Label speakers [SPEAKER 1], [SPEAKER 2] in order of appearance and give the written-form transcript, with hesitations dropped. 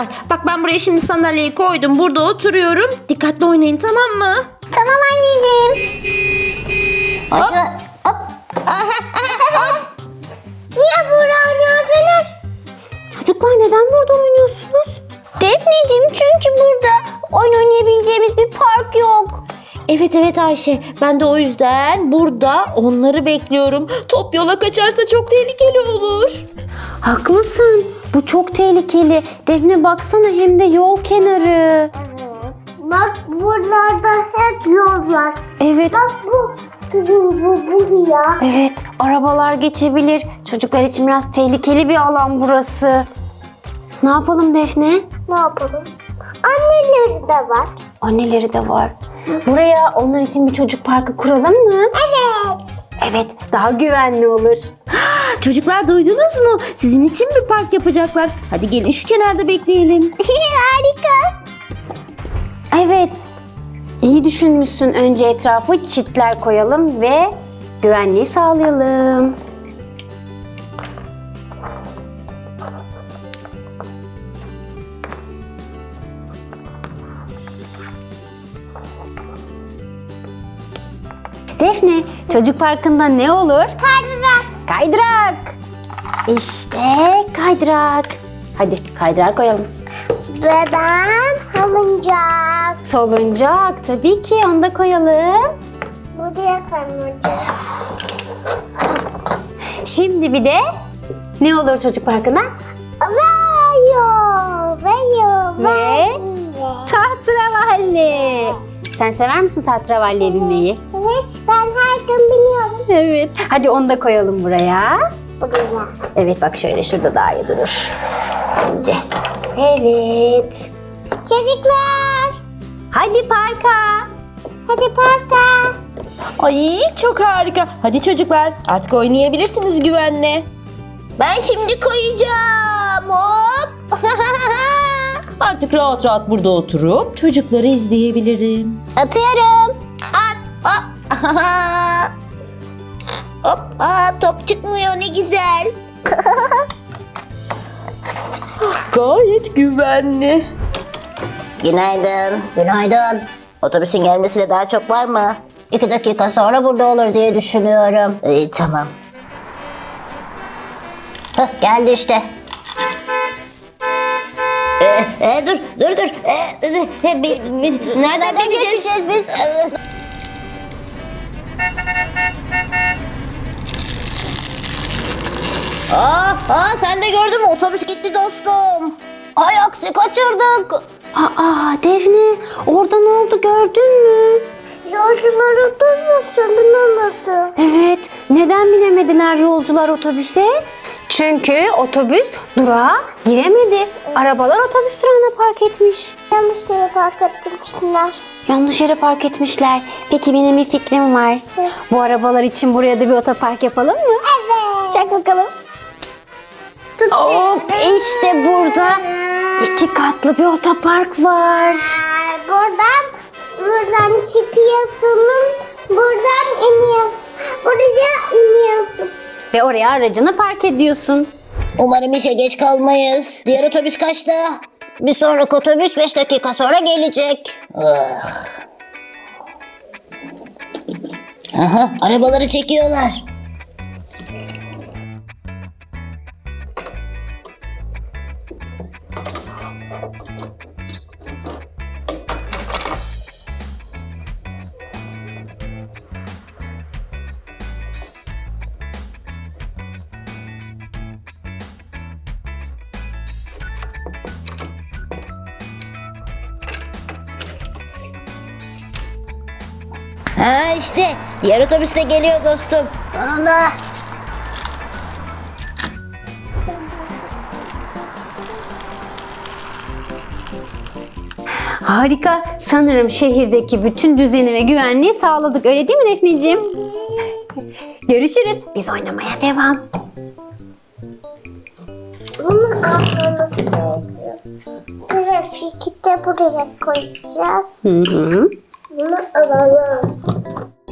[SPEAKER 1] çocuklar, bak ben buraya şimdi sandalyeyi koydum. Burada oturuyorum. Dikkatli oynayın, tamam mı?
[SPEAKER 2] Tamam anneciğim.
[SPEAKER 1] Hop.
[SPEAKER 2] Hop. Niye burada oynuyorsunuz? Çocuklar neden burada oynuyorsunuz? Defneciğim, çünkü burada oyun oynayabileceğimiz bir park yok.
[SPEAKER 1] Evet Ayşe, ben de o yüzden burada onları bekliyorum. Top yola kaçarsa çok tehlikeli olur.
[SPEAKER 3] Haklısın. Bu çok tehlikeli. Defne baksana, hem de yol kenarı.
[SPEAKER 2] Bak buralarda hep yol var.
[SPEAKER 3] Evet.
[SPEAKER 2] Bak bu turuncu buraya.
[SPEAKER 3] Evet, arabalar geçebilir. Çocuklar için biraz tehlikeli bir alan burası. Ne yapalım Defne?
[SPEAKER 2] Ne yapalım? Anneleri de var.
[SPEAKER 3] Anneleri de var. Buraya onlar için bir çocuk parkı kuralım mı?
[SPEAKER 2] Evet.
[SPEAKER 3] Evet, daha güvenli olur.
[SPEAKER 1] Çocuklar, duydunuz mu? Sizin için bir park yapacaklar. Hadi gelin şu kenarda bekleyelim.
[SPEAKER 2] Harika.
[SPEAKER 3] Evet, iyi düşünmüşsün. Önce etrafı çitler koyalım ve güvenliği sağlayalım. Defne, çocuk parkında ne olur?
[SPEAKER 2] Kaydırak.
[SPEAKER 3] Kaydırak. İşte kaydırak. Hadi kaydırak koyalım.
[SPEAKER 2] Ve ben halıncak.
[SPEAKER 3] Soluncak, tabii ki onu da koyalım.
[SPEAKER 2] Buraya koyacağım.
[SPEAKER 3] Şimdi bir de ne olur çocuk parkında? Ve tahterevalli. Sen sever misin tahterevalliye binmeyi?
[SPEAKER 2] Ben her gün biliyorum.
[SPEAKER 3] Evet. Hadi onu da koyalım buraya.
[SPEAKER 2] Buraya.
[SPEAKER 3] Evet, bak şöyle, şurada daha iyi durur. Bence. Evet.
[SPEAKER 2] Çocuklar.
[SPEAKER 3] Hadi parka.
[SPEAKER 2] Hadi parka.
[SPEAKER 1] Ay, çok harika. Hadi çocuklar, artık oynayabilirsiniz güvenle. Ben şimdi koyacağım. Hop. Artık rahat rahat burada oturup çocukları izleyebilirim.
[SPEAKER 2] Atıyorum.
[SPEAKER 1] At. Hop. Hop. Top çıkmıyor, ne güzel. Gayet güvenli.
[SPEAKER 2] Günaydın. Günaydın. Otobüsün gelmesine daha çok var mı? 2 dakika sonra burada olur diye düşünüyorum.
[SPEAKER 1] Tamam.
[SPEAKER 2] Hah, geldi işte.
[SPEAKER 1] Dur. Nereden bineceğiz?
[SPEAKER 2] biz?
[SPEAKER 1] Sen de gördün mü? Otobüs gitti dostum.
[SPEAKER 2] Ay aksi kaçırdık.
[SPEAKER 3] Aa Defne, orada ne oldu gördün mü?
[SPEAKER 2] Yolcular otobüse binemedi.
[SPEAKER 3] Evet, neden binemediler yolcular otobüse? Çünkü otobüs durağa giremedi. Arabalar otobüs durağına park etmiş.
[SPEAKER 2] Yanlış yere park etmişler.
[SPEAKER 3] Yanlış yere park etmişler. Peki benim bir fikrim var. Bu arabalar için buraya da bir otopark yapalım mı?
[SPEAKER 2] Evet.
[SPEAKER 3] Çak bakalım. Hop, işte burada 2 katlı bir otopark var.
[SPEAKER 2] Buradan çıkıyorsun. Buradan iniyorsun. Buraya iniyorsun.
[SPEAKER 3] Ve oraya aracını park ediyorsun.
[SPEAKER 2] Umarım işe geç kalmayız. Diğer otobüs kaçta? Bir sonraki otobüs 5 dakika sonra gelecek. Aha, arabaları çekiyorlar.
[SPEAKER 1] İşte diğer otobüs de geliyor dostum.
[SPEAKER 2] Sonunda.
[SPEAKER 3] Harika. Sanırım şehirdeki bütün düzeni ve güvenliği sağladık. Öyle değil mi Defneciğim? Görüşürüz. Biz oynamaya devam.
[SPEAKER 2] Bunu almamız gerekiyor. Grafiki de buraya koyacağız.
[SPEAKER 3] Hı hı.
[SPEAKER 2] Bunu alalım.